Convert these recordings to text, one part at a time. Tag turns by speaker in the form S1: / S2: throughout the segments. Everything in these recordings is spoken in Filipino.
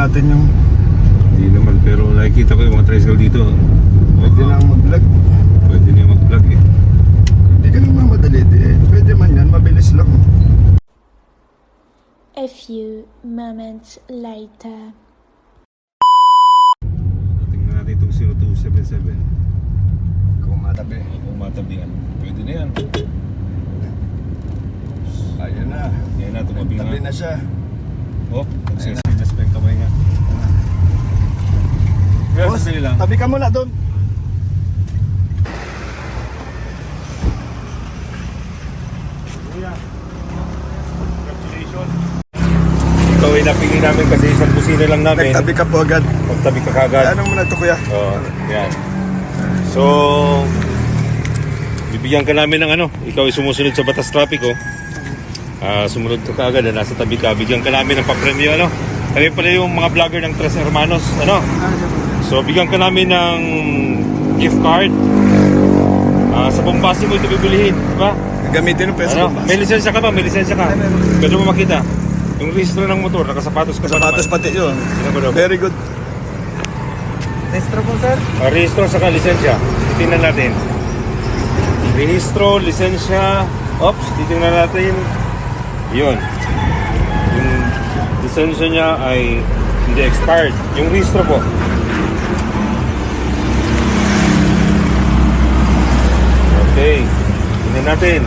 S1: natin yung...
S2: Hindi naman, pero nakikita ko yung mga tricycle dito.
S1: Pwede nang mag-vlog.
S2: Pwede niya mag-vlog eh.
S1: Hindi ka naman madali eh. Pwede man yan, mabilis lang.
S3: A few moments later.
S2: Tingnan natin itong 0277.
S1: Kung matabi.
S2: Kung matabihan. Pwede na yan.
S1: Ayun na.
S2: Yan na, tumabi
S1: Tabi
S2: nga.
S1: na siya.
S2: Oh, nagsisinas pa yung kamay nga. Kaya
S1: Boss,
S2: sasali lang.
S1: tabi ka muna doon.
S2: Congratulations. Ikaw ay napili namin kasi isang busina lang namin.
S1: Nagtabi ka po agad.
S2: Magtabi ka kagad.
S1: Ano muna ito kuya?
S2: Oo, yan. So, bibigyan ka namin ng ano, ikaw ay sumusunod sa batas trapiko. Sumunod ka kaagad, nasa tabi ka. Bigyan ka namin ng papremyo, ano. Kami pala yung mga vlogger ng Tres Hermanos, ano. So, bigyan ka namin ng gift card. Sa Bombasi mo ito bibilihin, di ba?
S1: Gamitin ng peso.
S2: Ano? May lisensya ka ba? May lisensya ka? Pwede mo makita. Yung registro ng motor, nakasapatos ka ba
S1: Sapatos
S2: naman?
S1: pati yun.
S2: Sino ba?
S1: Very good.
S4: Restro po, sir.
S2: Rehistro saka lisensya. Titingnan natin. Rehistro, lisensya. Oops, titingnan natin. Yun. Yung lisensya niya ay hindi expired. Yung rehistro po. Okay. Tingnan natin.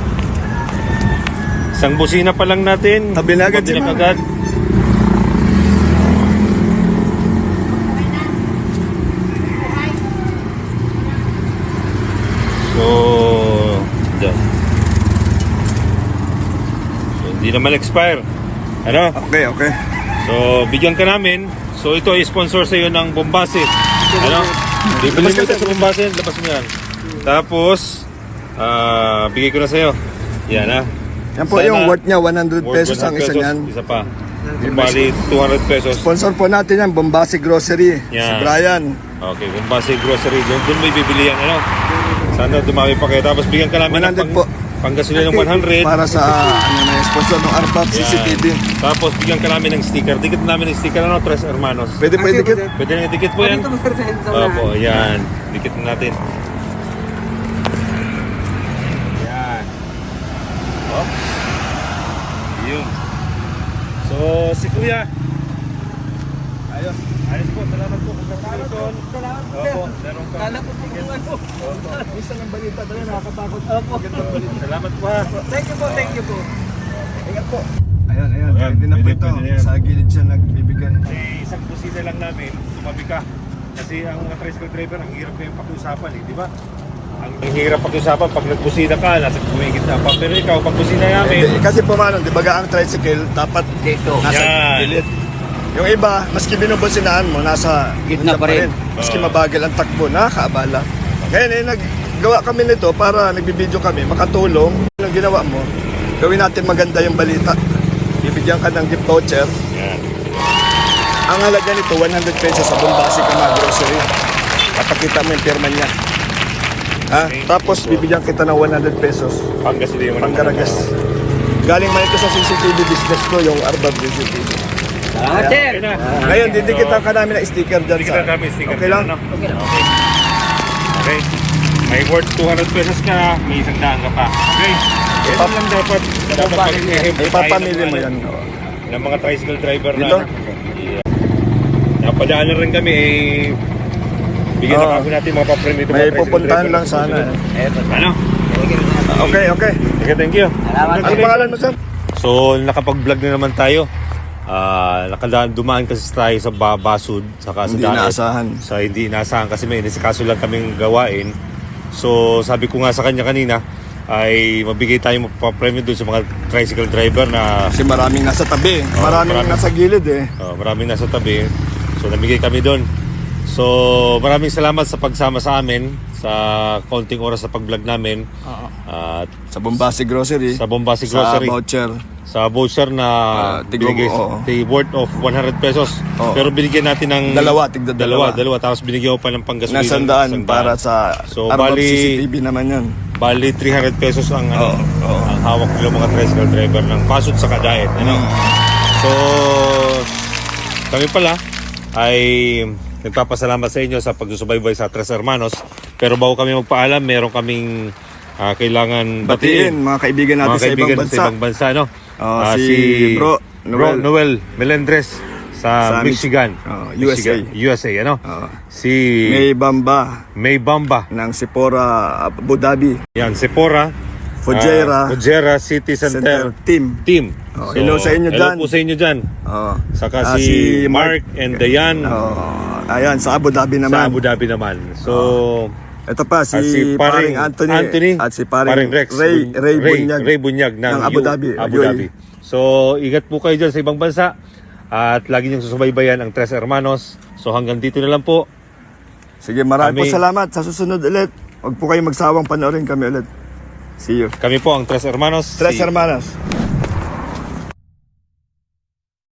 S2: Isang busina pa lang natin.
S1: Tabi na agad si ma'am.
S2: agad. So, dyan. So, hindi naman expire. Ano?
S1: Okay, okay.
S2: So, bigyan ka namin. So, ito ay sponsor sa iyo ng Bombasi. Ano? Bibili mo ito sa Bombasi. Labas mo yan. Tapos, bigay ko na sa iyo. Yan ha.
S1: Yan po
S2: Sana,
S1: yung worth niya, 100
S2: worth
S1: pesos ang
S2: 100
S1: isa
S2: pesos.
S1: niyan.
S2: Isa pa. Bali, 200 pesos.
S1: Sponsor po natin yan, Bombasi Grocery. Si
S2: Yan.
S1: Brian.
S2: Okay, Bombasi Grocery. Doon may bibili yan. Ano? Sana dumami pa kayo. Tapos bigyan ka namin
S1: 100 po.
S2: panggasolina ng 100.
S1: Para sa ano na yung sponsor ng Arbab
S2: Yan.
S1: CCTV.
S2: Tapos bigyan ka namin ng sticker. Dikit namin ng sticker. Ano? Tres Hermanos.
S1: Pwede po idikit.
S2: Pwede na dikit po yan.
S4: Dito mo, sir, sa
S2: Opo, yan. Dikit na natin. Yan. Oh. Yun. So, si Kuya.
S1: Ayos.
S2: Ayos po, salamat po. Congratulations.
S4: Salamat, sir.
S2: Opo, meron ka.
S4: Kala ko po kung ano.
S1: Isa ng balita talaga, nakakatakot.
S4: Opo.
S2: Salamat po ha.
S4: Thank you po, thank you po.
S1: Ingat po. Ayan, ayan.
S2: Ayan,
S1: Pwede na po
S2: pwede,
S1: ito.
S2: pwede na yan.
S1: Sa gilid siya nagbibigay.
S2: Isang busina lang namin, tumabi ka. Kasi ang mga tricycle driver, ang hirap kayong pakiusapan eh, di ba? Ang hirap pakiusapan pag nagbusina ka, nasa kumigit na pa. Pero ikaw, pag busina namin,
S1: Kasi po mano, di ba ang tricycle, dapat
S4: Dito.
S1: nasa
S2: Yan.
S1: gilid. Yung iba, maski binubusinahan mo, nasa
S4: Gitna pa rin.
S1: Maski mabagal ang takbo, nakakaabala. Ngayon, naggawa kami nito para nagbibideo kami, makatulong. Ang ginawa mo, gawin natin maganda yung balita. Bibigyan ka ng gift voucher.
S2: yan.
S1: Ang halaga nito, 100 pesos sa Bombasi Kama Grocery. Papakita mo yung pirma niya. Ha?
S2: Okay.
S1: Tapos bibigyan kita ng 100 pesos.
S2: Panggasolina mo naman.
S1: Pangkaragas. Galing man ito sa CCTV business ko, yung Arbab CCTV.
S4: Salamat, sir.
S2: Okay na.
S1: Ngayon, didikitan ka namin ng sticker dyan
S2: Dikit na namin sticker.
S1: Okay lang?
S2: Ano? Okay. Okay. May worth 200 pesos ka, may 100 ka pa. Okay. Ito lang dapat
S1: Ipapamili mo yan.
S2: ng mga tricycle driver
S1: Dito?
S2: na yeah. Napadaanan rin kami eh bigyan na kami natin mga papremyo
S1: May pupuntahan lang sana.
S2: Ano?
S1: Okay, okay.
S2: Okay, thank you.
S4: Salamat.
S1: Ano pangalan mo, sir?
S2: So nakapag-vlog na naman tayo. Dumaan kasi tayo sa Basud saka sa
S1: Hindi
S2: Daet.
S1: inaasahan.
S2: Sa hindi inaasahan kasi may inisikaso lang kaming gawain. So sabi ko nga sa kanya kanina ay mabigay tayong papremyo doon sa mga tricycle driver na
S1: Kasi maraming nasa tabi. Maraming nasa gilid eh.
S2: maraming nasa tabi. So namigay kami doon. So maraming salamat sa pagsama sa amin sa konting oras sa pag-vlog namin. At
S1: Sa Bombasi Grocery.
S2: sa Bombasi Grocery.
S1: Sa voucher.
S2: Sa voucher na binigay
S1: oo.
S2: worth of 100 pesos.
S1: Oo.
S2: Pero binigyan natin ng
S1: Tigda dalawa.
S2: Tapos binigyan ko pa ng panggasolina.
S1: Nasandaan para sa
S2: So,
S1: Arbab
S2: bali-
S1: CCTV naman yan.
S2: Bali 300 pesos ang
S1: Oo, oo.
S2: ang hawak nila mga tricycle driver ng Pasud sa Daet, ano. So kami pala ay nagpapasalamat sa inyo sa pagsusubaybay sa Tres Hermanos. Pero bago kami magpaalam, meron kaming kailangan
S1: Batiin, mga kaibigan natin
S2: mga kaibigan
S1: sa ibang bansa.
S2: no?
S1: Si Bro
S2: Noel Melendres sa Michigan.
S1: USA.
S2: USA, ano? Si May Bamba
S1: ng Sephora Abu Dhabi.
S2: yan, Sephora Fujairah City Center Team.
S1: Hello sa inyo dyan.
S2: Hello po sa inyo dyan. Saka
S1: si
S2: Mark and Diane
S1: ayan, sa Abu Dhabi naman.
S2: sa Abu Dhabi naman. So,
S1: Ito pa, si
S2: paring
S1: paring Anthony at si paring
S2: Rex
S1: Ray
S2: Bunyag ng
S1: Abu Dhabi.
S2: Abu Dhabi. So, ingat po kayo dyan sa ibang bansa at lagi niyong susubaybayan ang Tres Hermanos. So, hanggang dito na lang po.
S1: Sige, maraming po
S2: Kami-
S1: salamat. Sa susunod ulit, huwag po kayong magsawang panoorin kami ulit. See you.
S2: Kami po ang Tres Hermanos.
S1: Tres Hermanos.